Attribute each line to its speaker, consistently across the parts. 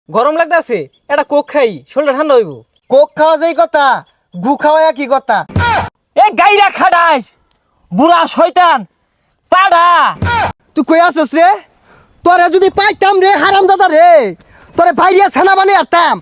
Speaker 1: গরম লাগতাছে, এটা কোক খাই, শরীরটা ঠান্ডা হইব।
Speaker 2: কোক খাওয়া যেই কথা, গু খাওয়া কি কথা?
Speaker 3: এ গাইরা খাডাস বুড়া শয়তান পাড়া।
Speaker 2: তুই কই আসছ রে? তোরে যদি পাইতাম রে হারাম দাদা রে, তোরে বাইরিয়া ছানা বানিয়ে আরতাম।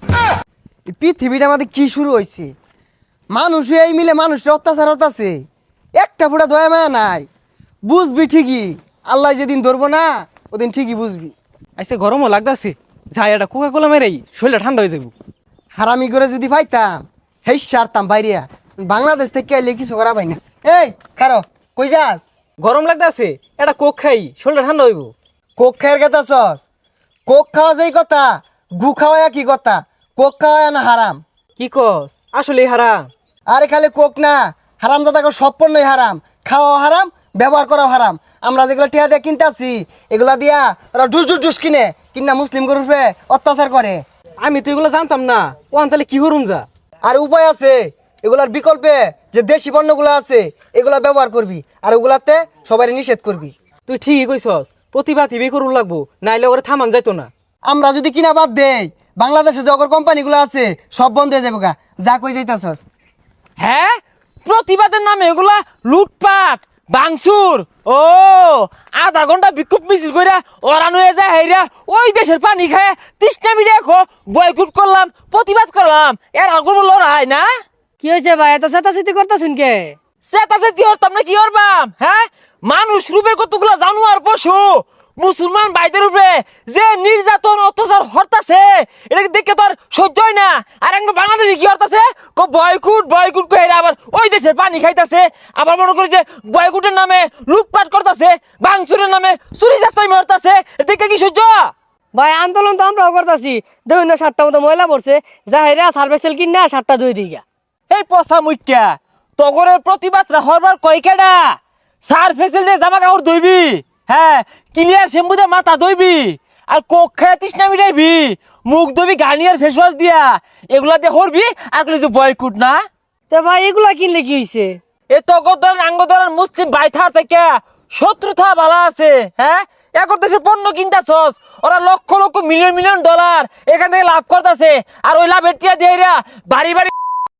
Speaker 2: এই পৃথিবীটা আমাদের কি শুরু হয়েছে? মানুষ এই মিলে মানুষের অত্যাচার হতাছে, একটা ফুটা দয়া মায়া নাই। বুঝবি ঠিকই, আল্লাহ যেদিন ধরবো না ওদিন ঠিকই বুঝবি।
Speaker 1: আইসে গরমও লাগতাছে, যাই এটা কোকা কোলা মেরেই শরীরটা ঠান্ডা হয়ে যাব।
Speaker 2: হারামি করে যদি পাইতাম হেই সারতাম বাইরিয়া। বাংলাদেশ থেকে এলে কিছু করা পাই না। এই খারো, কই যাস?
Speaker 1: গরম লাগতাছে, এটা কোক খাই, শরীরটা ঠান্ডা হইব।
Speaker 2: কোক খায়ের কথা সস? কোক খাওয়া যেই কথা, গু খাওয়া কি কথা? কোক খাওয়া না হারাম?
Speaker 1: কি কস? আসলে হারাম?
Speaker 2: আরে খালি কোক না, হারাম জাদাকে সব পণ্যই হারাম। খাওয়া হারাম, ব্যবহার করাও হারাম। আমরা যেগুলো টিয়া দিয়ে কিনতে আসি, এগুলা দিয়া ওরা ডুস ডুস ডুস কিনে কিনা মুসলিম গরুপে অত্যাচার করে।
Speaker 1: আমি তো এগুলো জানতাম না, ওয়ান তাহলে কি হরুম যা।
Speaker 2: আর উপায় আছে, এগুলার বিকল্পে যে দেশি পণ্যগুলো আছে এগুলা ব্যবহার করবি, আর ওগুলাতে সবাই নিষেধ করবি।
Speaker 1: তুই ঠিকই কইছস, প্রতিভা টিভি করুন লাগবো, নাইলে ওরে থামান যাইতো না।
Speaker 2: আমরা যদি কিনা বাদ দেই, বাংলাদেশে যে অগর কোম্পানিগুলো আছে সব বন্ধ হয়ে যাবে গা। যা কই যাইতাছস?
Speaker 3: হ্যাঁ, প্রতিবাদের নামে এগুলা লুটপাট বাংসুর। ও আধা ঘন্টা বিক্ষোভ মিছিল কইরা ওরান হয়ে যায় হেরা ওই দেশের পানি খায় তৃষ্ণা মিডিয়া খো বয়কুট করলাম, প্রতিবাদ করলাম, এর আগুন লড়াই না।
Speaker 4: কি হয়েছে ভাই, এত চেতাচেতি করতেছেন কে?
Speaker 3: সেটাছে কি হরতাম না কি হরবাম? হ্যাঁ, মানুষ রূপের কতগুলো জানোয়ার পশু মুসলমান ভাইদের উপরে যে নির্যাতন অত্যাচার হরতাছে, এটাকে দেখে তো আর সহ্য হয় না। আর একদম বাংলাদেশে কি হরতাছে, বয়কুট বয়কুট কই আবার ওই দেশের পানি খাইতাছে, আবার মনে করি যে বয়কুটের নামে লুটপাট করতেছে, বাংসুরের নামে চুরি চাস্তাই মারতাছে, দেখে কি সহ্য?
Speaker 4: ভাই আন্দোলন তো আমরাও করতেছি, দেখুন না 7টা মতো ময়লা পড়ছে, যা হেরা সার্ভেসেল কিন না 7টা ধুই দিগা।
Speaker 3: এই পচা মুখ্যা তগরের প্রতিবাদরা হরবার কয়কেডা? সার ফেসিলিটি জামা কাপড় ধুইবি, হ্যাঁ ক্লিয়ার শ্যাম্পু দিয়ে মাথা ধুইবি, আর কোক খায় তৃষ্ণা মিটাইবি, মুখ ধুবি গার্নিয়ার ফেস ওয়াশ দিয়া, এগুলা দিয়ে হরবি। আর কইলি যে বয়কুট না?
Speaker 4: তো ভাই এগুলা কিনলে কি হয়েছে?
Speaker 3: এ তগর আঙ্গদরার মুসলিম বাইথা থেকে শত্রুতা বালা আছে। হ্যাঁ, এখন দেশে পণ্য কিনতাছস, ওরা লক্ষ লক্ষ মিলিয়ন মিলিয়ন ডলার এখান থেকে লাভ করতেছে, আর ওই লাভের টিয়া দিয়ে বাড়ি বাড়ি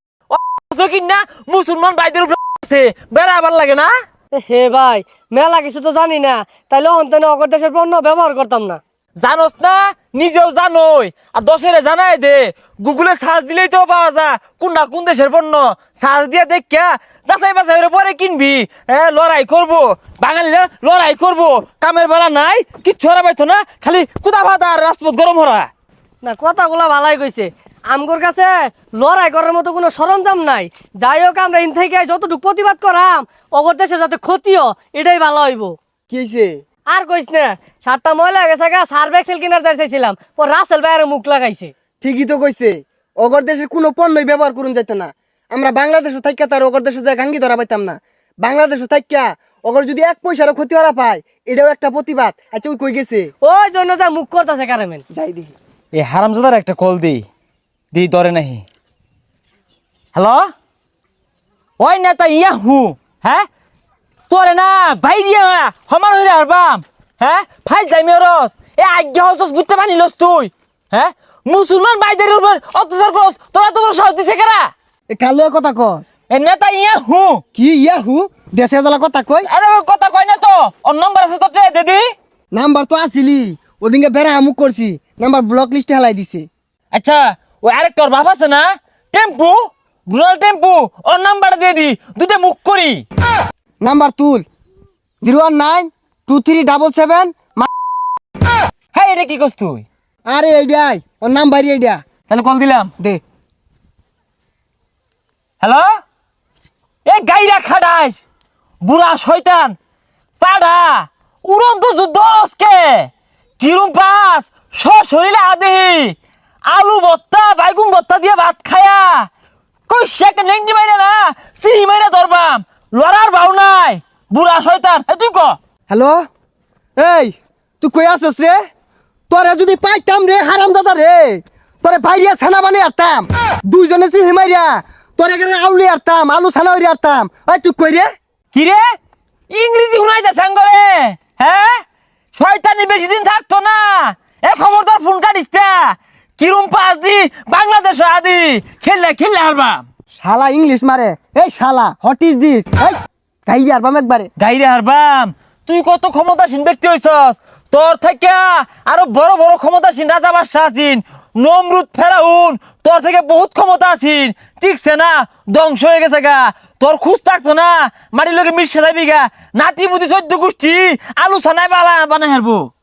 Speaker 3: কিনা মুসলমান ভাইদের উপরে বেড়া আবার লাগে না।
Speaker 4: হে ভাই, মেলা কিছু তো জানি না, তাইলে অন্তনে অগর দেশের পণ্য ব্যবহার করতাম না।
Speaker 3: জানোস না, নিজেও জানোই, আর দশেরে জানাই দে। গুগলে সার্চ দিলেই তো পাওয়া যায় কোনটা কোন দেশের পণ্য। সার্চ দিয়ে দেখা যাচাই বাছাই পরে কিনবি। হ্যাঁ, লড়াই করবো, বাঙালিরা লড়াই করবো, কামের বেলা নাই, কিচ্ছু হরা পাইতো না, খালি কুদা ভাতা আর রাজপথ গরম হরা।
Speaker 4: না, কথাগুলা ভালাই কইছে, আমগোর কাছে লড়াই করার মতো কোনো সরঞ্জাম নাই। যাই হোক, আমরা ইন থেকে যতটুকু প্রতিবাদ করাম অগর দেশে যাতে ক্ষতিও, এটাই ভালো হইব।
Speaker 2: কি হয়েছে?
Speaker 4: আর কইস না, 7টা ময়লা গেছে গা, সার্ভেক্সেল কিনার চাইছিলাম, ও রাসেল ভাইয়ের মুখ লাগাইছে।
Speaker 2: ঠিকই তো কইছে, অগর দেশের কোনো পণ্যই ব্যবহার করুন যাইতো না। আমরা বাংলাদেশে থাইকা তার অগর দেশে যায় গাঙ্গি ধরা পাইতাম না। বাংলাদেশে থাইকা অগর যদি 1 পয়সারও ক্ষতি হরা পায়, এটাও একটা প্রতিবাদ। আচ্ছা ওই কই গেছে?
Speaker 4: ওই জন্য যা মুখ করতেছে কারেমেন।
Speaker 2: যাই দেখি।
Speaker 3: এই হারামজাদার একটা কল দিই, ধরে নাহি। হ্যালো, ওই নেতা ইয়াহু, হ্যাঁ তোরে না বাইরিয়া সমান হইরে হারবাম। হ্যাঁ, ফাইজ যাইমি রস এ আজ্ঞা হসস বুঝতে পারিলস তুই? হ্যাঁ, মুসলমান ভাইদের উপর অত্যাচার করস, তোরা তো সাহস দিছে কেরা?
Speaker 2: এ কালো কথা কস?
Speaker 3: এ নেতা ইয়াহু।
Speaker 2: কি ইয়াহু? দেশে জ্বালা কথা কই?
Speaker 3: আরে ওই কথা কই না তো, ওর নম্বর আছে তোর দিদি।
Speaker 2: নাম্বার তো আসিলি, ওদিনকে বেড়া আমুক করছি, নাম্বার ব্লক লিস্টে হেলাই দিছে।
Speaker 3: আচ্ছা, ওই আরেকটা ওর বাপ আছে না, টেম্পু, রুরাল টেম্পু, ওর নাম্বারটা দিয়ে দি, দুটো মুখ করি।
Speaker 2: নাম্বার তুল, 0192377।
Speaker 3: হ্যাঁ, এটা কি করছ তুই?
Speaker 2: আরে এইডাই ওর নাম্বার, এইডা
Speaker 3: তাহলে কল দিলাম।
Speaker 2: দে।
Speaker 3: হ্যালো, এ গাইরা খাডাস বুড়া শয়তান পাড়া, উড়ন্ত যুদ্ধ আজকে কিরম পাস শরীরে আদেহি আলু ভর্তা বাইগুন ভর্তা দিয়ে ভাত খায়া কই শেক নেংটি মাইরা না চিনি মাইরা ধরবাম, লড়ার ভাও নাই বুড়া শয়তান। তুই ক।
Speaker 2: হ্যালো, এই তুই কই আসছ রে? তোরে যদি পাইতাম রে হারাম দাদা রে, তোরে বাইরিয়া ছানা বানিয়ে আরতাম। দুইজনে চিনি মাইরা তোরে এখানে আউলি আরতাম, আলু ছানা হইরে আরতাম। ওই তুই কই রে?
Speaker 3: কি রে, ইংরেজি শুনাইতে সাঙ্গরে? হ্যাঁ, শয়তানি বেশি দিন থাকতো না, এ খবরদার ফোন কাটিস না। কিরম পাস দি বাংলাদেশ আদি খেললে হারবাম
Speaker 2: শালা ইংলিশ মারে এই শালা হোয়াট ইজ দিস এই গাইরে আরবাম একবারে
Speaker 3: গাইরে হারবাম তুই কত ক্ষমতাসীন ব্যক্তি হইছস তোর থেকে আরো বড় বড় ক্ষমতাসীন রাজা বাদশাহ আছেন নমরুদ ফেরাউন তোর থেকে বহুত ক্ষমতা আছেন ঠিকছে না ধ্বংস হয়ে গেছে গা তোর খুঁজ থাকতো না মাটির লোকে মিশে যাবি গা নাতি মুতি 14 গোষ্ঠী আলু ছানায় বানাই হারবো